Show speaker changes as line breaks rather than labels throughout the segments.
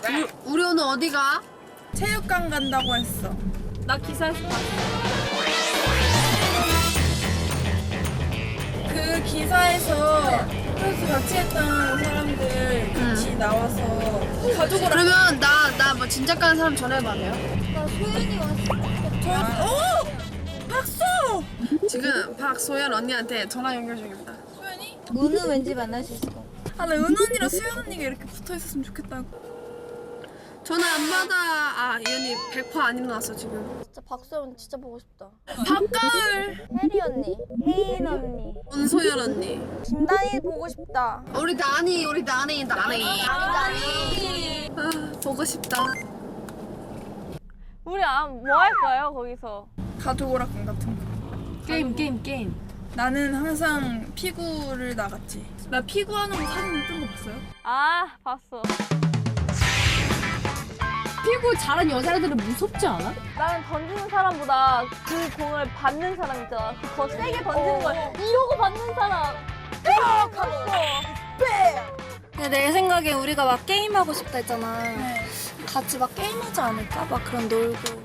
우리 오늘 어디 가?
체육관 간다고 했어.
나 기사에서 봤어.
그 기사에서 그래서 같이 했던 사람들 같이 나와서 가족을
그러면 나 뭐 진짜 가는 사람 전화해봐 돼요?
나 소연이 왔어.
오! 박수!
지금 박소연 언니한테 전화 연결 중입니다.
소연이?
은우 왠지 만날 수 있을 것 같아.
아, 나 은우 언니랑 수연 언니가 이렇게 붙어 있었으면 좋겠다고.
전화 안 받아. 아, 이 언니 100% 안 일어났어 지금.
진짜 박소연 진짜 보고 싶다.
박가을!
혜리 언니, 혜인 언니,
은소연 언니.
김다희 보고 싶다.
우리 나니.
나니.
아, 보고 싶다.
우리 뭐 할 거예요 거기서?
가족 오락관 같은 거.
게임.
나는 항상 피구를 나갔지. 나 피구 하는 거 사진 뜬 거 봤어요?
아 봤어.
피구 잘하는 여자애들은 무섭지 않아?
나는 던지는 사람보다 그 공을 받는 사람 있잖아. 그 더 세게 던지는 걸 이러고 받는 사람. 갔어.
내 생각에 우리가 막 게임하고 싶다 했잖아. 같이 막 게임하지 않을까? 막 그런 놀고.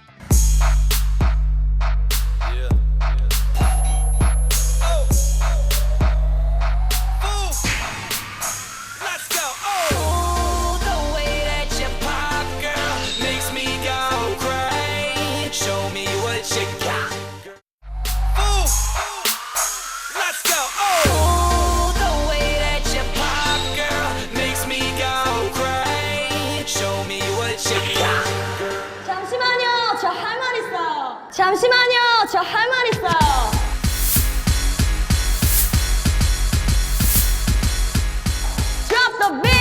잠시만요, 저 할 말 있어요. 잠시만요, 저 할 말 있어요. Drop the beat.